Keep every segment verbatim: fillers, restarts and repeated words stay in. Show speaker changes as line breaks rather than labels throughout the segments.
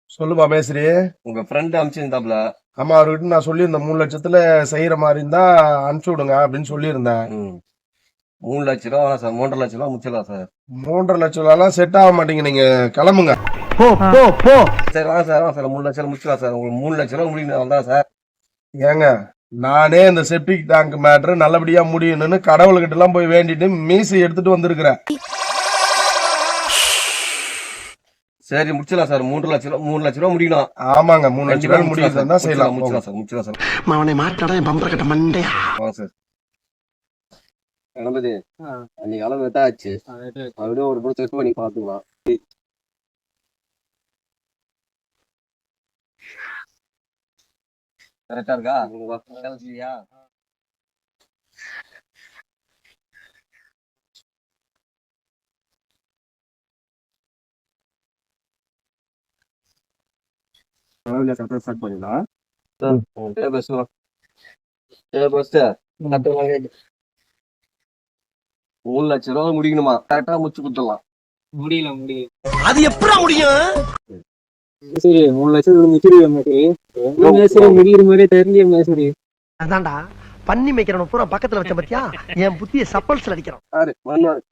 சொல்லுப்பா மேஸ்திரி.
உங்க ஃப்ரெண்ட் அனுப்பிச்சிருந்தாப்ல.
ஆமா, அவர்கிட்ட நான் சொல்லியிருந்தேன் மூணு லட்சத்துல செய்யற மாதிரி இருந்தா அனுப்பிச்சு விடுங்க அப்படின்னு சொல்லியிருந்தேன்.
ம். மூணு லட்சம் ரூபா வேணாம் சார். மூன்றரை லட்சம் ரூபா முடிச்சிடலாம் சார்.
மூன்றரை லட்சம் ரூபாய்லாம் செட் ஆக மாட்டீங்க, நீங்க கிளம்புங்க.
போ போ போ
சரி வாங்க சார், வாங்க சார். மூணு லட்சம் ரூபா முடிச்சிடலாம் சார். உங்களுக்கு மூணு லட்சம் ரூபா முடியணும் தான் சார்.
ஏங்க, நானே இந்த செப்டிக் டேங்க் மேட்ரு நல்லபடியா முடியணும்னு கடவுள்கிட்ட எல்லாம் போய் வேண்டிட்டு மீசி எடுத்துட்டு வந்திருக்கிறேன்.
சரி முடிச்சிடலாம் சார். மூன்று லட்சம் ரூபா மூணு லட்சம் ரூபா முடியணும்.
ஆமாங்க, மூணு லட்சம் ரூபாய் முடியுதுன்னா செய்யலாம்.
முடிச்சிடலாம் சார், முடிச்சிடலாம் சார்.
அவனை மாட்டாடா என் பம்பர கட்ட மண்டையா.
வாங்க சார். கணபதி, அன்னைக்கு அளவு எட்டாச்சு. அப்படியே ஒரு கூட செக் பண்ணி பாத்துக்கலாம். கரெக்டா இருக்கா? இல்லையா? ஸ்டார்ட் பண்ணிடலாம். மூணு லட்சம் ரூபா முடிக்கணுமா? கரெக்டா முடிச்சு கொடுத்துடலாம்.
முடியல முடியல.
அது எப்படா முடியும்?
சரி, மூணு லட்சம் முடிச்சிருவேன் மேசரி. முடிக்கிற மாதிரியே தெரிஞ்ச மேசரி.
அதான்டா பண்ணி மேய்க்கிறவன பூரா பக்கத்துல வச்ச பத்தியா என் புத்திய சப்பல்ஸ்ல அடிக்கிறான்.
சார் பண்ணுவாரு.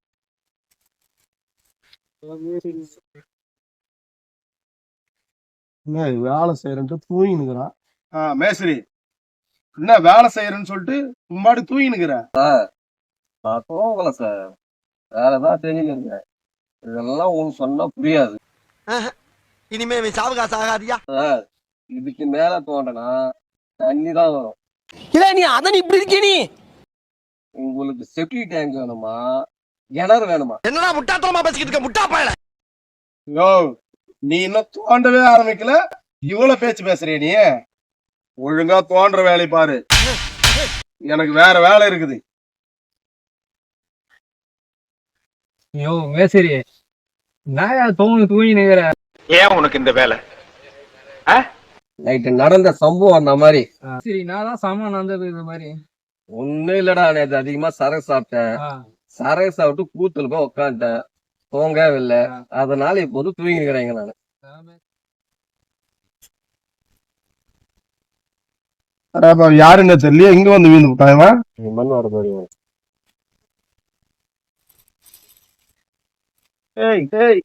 வேலை செய்யறேன்ட்டு தூங்கினுக்குறான். ஆஹ் மேஸ்திரி, என்ன வேலை செய்யறேன்னு சொல்லிட்டு முன்னாடி தூங்கினுக்குற?
நான் தூங்கல சார். வேற ஏதாவது தெரிஞ்சுக்கிறேன். இதெல்லாம் உங்களுக்கு சொன்னா புரியாது.
இனிமே சாவகாச ஆகாதியா?
சார், இதுக்கு மேல தோண்டனா தண்ணி தான் வரும்.
இல்ல நீ அதன் இப்படி இருக்க. நீ
உங்களுக்கு செப்டி டேங்க் வேணுமா, கிணறு வேணுமா?
என்னடா முட்டாத்தனமா பேசிக்கிட்டு இருக்க முட்டா பயல?
யோ, நீ இன்னும் தோண்டவே ஆரம்பிக்கல, இவ்வளவு பேச்சு பேசுறிய நீ? ஒழுங்கா தோன்ற வேலையை பாரு. எனக்கு வேற வேலை இருக்குது.
ஐயோ மேசரி, நான் தூங்கி தூங்கி நிக்கிற.
ஏன் உனக்கு இந்த வேலை?
நைட்டு நடந்த சம்பவம் அந்த மாதிரி.
சரி, நான் தான் சாமான் நடந்தது இந்த மாதிரி.
ஒண்ணும் இல்லடா, நேற்று அதிகமா சரக்கு சாப்பிட்டேன். சரக்கு சாப்பிட்டு கூத்துல போய் உட்காந்துட்டேன். தூங்கவே இல்லை. அதனால இப்போது தூங்கி இருக்கிறேங்க நானு.
யாருன்னு தெரியல, இங்க வந்து வீந்து விட்டாங்க.
மண் வர பாருங்க.
ஏய் ஏய்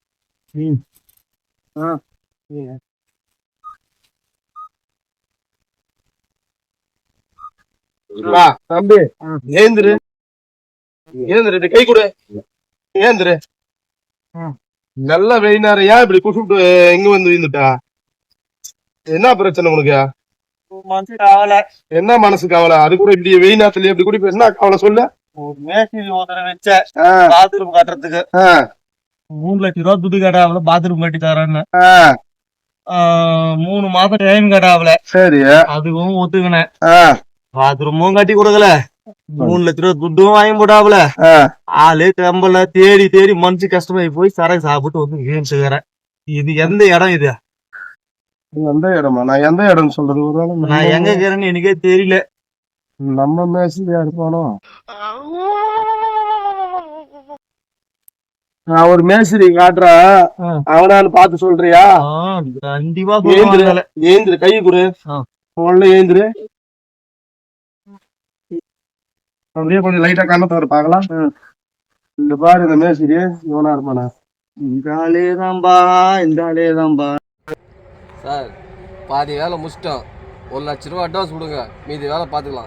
வா தம்பி, ஏந்திரு ஏந்திரு, கை கொடு, ஏந்திரு. நல்ல வெயினாரு, ஏன் இப்படி கூப்பிட்டு எங்க வந்து வீந்துட்டா? என்ன பிரச்சனை உனக்கு?
மனசு கவலை.
என்ன மனசு கவலை? அது கூட இப்படி வெயினாத்துல இப்படி கூட என்ன கவலை சொல்லு?
மேசரி ஒருத்தர வச்ச பாத்ரூம் கட்டுறதுக்கு மூணு லட்சம் ரூபா துட்டு கட்டாவல. பாத்ரூம் கட்டி தரேன்னு மூணு மாசம் டைம் கட்டாவல.
சரி,
அதுவும் ஒத்துக்கினேன். பாத்ரூமும் கட்டி கொடுக்கல, மூணு லட்சம் ரூபா துட்டும் வாங்கி போட்டாவல. ஆளு கம்பல தேடி தேடி மனசு கஷ்டமாயி போய் சரக்கு சாப்பிட்டு வந்து ஏன்ச்சுக்கிறேன். இது எந்த இடம்? இது
எந்த இடமா? நான் எந்த இடம் சொல்றது? ஒரு வேளை
நான் எங்க இருக்கிறேன்னு எனக்கே தெரியல.
நம்ம மேசரியா இருப்பானோ? நான் ஒரு மேசரி காட்டுறா, அவனான்னு பார்த்து சொல்றியா?
கண்டிப்பா
ஏந்திரு, ஏந்திரு, கை கொடு, உள்ள ஏந்திரு. அப்படியே கொஞ்சம் லைட்டா கண்ணத்தை வர பாக்கலாம். இந்த பாரு, இந்த மேசரி இவனா இருப்பானா?
இந்த ஆளே தான்பா, இந்த ஆளே தான்பா.
சார், பாதி வேலை முடிச்சிட்டோம். ஒரு லட்ச ரூபா அட்வான்ஸ் கொடுங்க, மீதி வேலை பார்த்துக்கலாம்.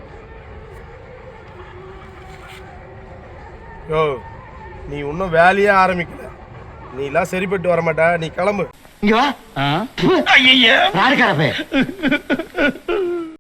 யோ, நீ இன்னும் வேலையே ஆரம்பிக்கல, நீ எல்லாம் சரிப்பட்டு வரமாட்டா. நீ கிளம்பு.
இங்க வா. ஐயா யாரு கரப்பே?